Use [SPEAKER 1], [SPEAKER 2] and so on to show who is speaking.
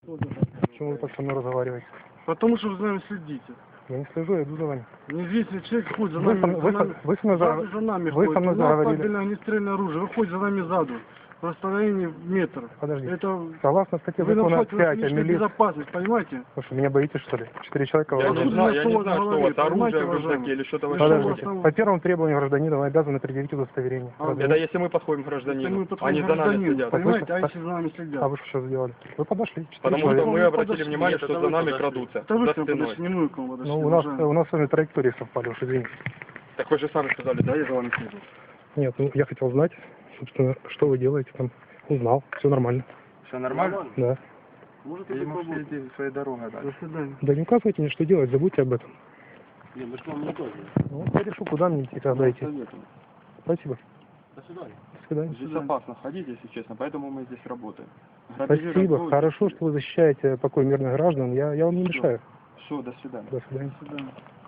[SPEAKER 1] Почему вы так со мной разговариваете?
[SPEAKER 2] Потому что вы за нами следите.
[SPEAKER 1] Я не слежу, я иду за вами.
[SPEAKER 2] Неизвестный человек ходит за
[SPEAKER 1] Вы
[SPEAKER 2] нами,
[SPEAKER 1] со мной
[SPEAKER 2] сзади за нами
[SPEAKER 1] вы
[SPEAKER 2] ходит.
[SPEAKER 1] со мной
[SPEAKER 2] У нас
[SPEAKER 1] заговорили.
[SPEAKER 2] табельное огнестрельное оружие, вы ходите за нами сзади. В расстоянии метр.
[SPEAKER 1] Подождите.
[SPEAKER 2] Это
[SPEAKER 1] Согласно статье
[SPEAKER 2] вы
[SPEAKER 1] закона
[SPEAKER 2] нарушаете
[SPEAKER 1] 5 о
[SPEAKER 2] личную
[SPEAKER 1] милиции.
[SPEAKER 2] безопасность, понимаете?
[SPEAKER 1] Слушай, меня боитесь, что ли? 4 человека
[SPEAKER 3] Я
[SPEAKER 1] вооружены.
[SPEAKER 3] не знаю,
[SPEAKER 2] что у вас
[SPEAKER 3] что у вас
[SPEAKER 2] понимаете,
[SPEAKER 3] оружие в рюкзаке
[SPEAKER 2] уважаемый?
[SPEAKER 3] или что-то
[SPEAKER 2] Вы
[SPEAKER 3] вообще.
[SPEAKER 1] Подождите. По первому требованию гражданина вы обязаны предъявить удостоверение.
[SPEAKER 3] Это если мы подходим к
[SPEAKER 2] Это мы
[SPEAKER 3] гражданину,
[SPEAKER 2] подходим
[SPEAKER 3] они
[SPEAKER 2] к
[SPEAKER 3] за нами
[SPEAKER 2] гражданину,
[SPEAKER 3] следят.
[SPEAKER 2] понимаете, а
[SPEAKER 1] Слышно?
[SPEAKER 2] если за нами следят?
[SPEAKER 1] А вы что сейчас сделали? Вы подошли. 4
[SPEAKER 3] Потому что
[SPEAKER 1] человека.
[SPEAKER 3] мы
[SPEAKER 2] Вы
[SPEAKER 3] обратили
[SPEAKER 2] подошли.
[SPEAKER 3] внимание,
[SPEAKER 2] Нет,
[SPEAKER 3] что
[SPEAKER 2] это
[SPEAKER 3] за
[SPEAKER 2] вы
[SPEAKER 3] нами
[SPEAKER 2] подошли.
[SPEAKER 3] крадутся.
[SPEAKER 2] Это вы
[SPEAKER 3] За
[SPEAKER 2] к нам
[SPEAKER 3] спиной.
[SPEAKER 2] подошли, не мы к вам подошли.
[SPEAKER 1] Ну, у нас с вами траектории совпали, уж извините.
[SPEAKER 3] Так вы же сами сказали, да, я за вами слежу.
[SPEAKER 1] Нет, ну я хотел знать, собственно, что вы делаете там. Узнал, все нормально.
[SPEAKER 3] Все нормально?
[SPEAKER 1] Да.
[SPEAKER 2] Может,
[SPEAKER 3] И
[SPEAKER 2] это
[SPEAKER 3] можете
[SPEAKER 2] попробуем.
[SPEAKER 3] идти своей дорогой
[SPEAKER 2] До
[SPEAKER 3] дальше.
[SPEAKER 2] свидания.
[SPEAKER 1] Да не указывайте мне, что делать, забудьте об этом.
[SPEAKER 2] Не, мы к вам не тоже.
[SPEAKER 1] Ну, я решу, куда мне идти, когда идти. Спасибо.
[SPEAKER 2] До свидания.
[SPEAKER 1] До свидания.
[SPEAKER 3] Здесь опасно ходить, если честно, поэтому мы здесь работаем. Грабежи,
[SPEAKER 1] Спасибо.
[SPEAKER 3] разбой,
[SPEAKER 1] Хорошо, что вы защищаете покой мирных граждан. Я вам не мешаю.
[SPEAKER 3] Все, до свидания.
[SPEAKER 1] До свидания.
[SPEAKER 2] До свидания.